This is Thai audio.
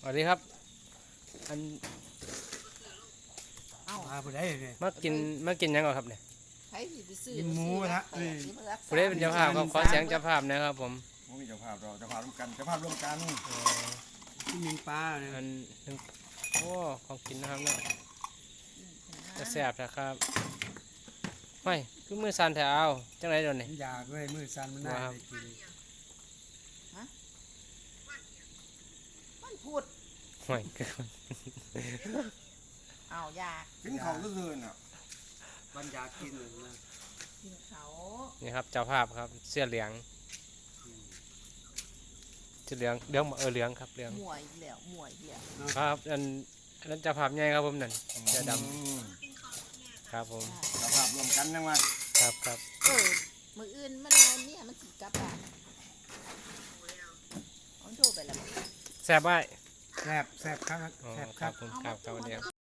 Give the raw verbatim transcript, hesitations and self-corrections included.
สวัสดีครับอันเอ้ามาผู้ใดเนี่ยมากินมากินหยังก่อนครับเนี่ยใครสิไปซื้อกินหมูกระทะแปดสิบรักษาผู้ใดเป็นเจ้าภาพครับขอเสียงเจ้าภาพนะครับผมผมมีเจ้าภาพเราเจ้าภาพร่วมกันเจ้าภาพร่วมกันเอ่อที่มิงปลาเนี่ยอันหนึ่งโอ้ของกินนะครับเนาะจะแซ่บนะครับไม่คือมือสั่นแถวเอาจังไรเดี๋ยวนี้อยากด้วยมือสั่นมันได้ว้าวได้กินมันพูดไม่เอาอยากกินเขาซื่อๆน่ะมันอยากกินนะกินเขานี่ครับเจ้าภาพครับเสื้อเหลืองเสื้อเหลืองเหลืองเออเหลืองครับเหลืองหมวยอีกแล้วหมวยอีกแล้วครับอันอันนั้นเจ้าภาพใหญ่ครับผมนั่นเสื้อดอืมำครับผมเจ้าภาพร่วมกันยังไงครับครับเออมืออื่นมันเอาเนี่ยมันสิกลับบ้านเอาโทรไปแล้วแซ่บไว้แซ่บแซ่บครับอ๋อแซ่บคครัรับบ ผมครับครับวันนี้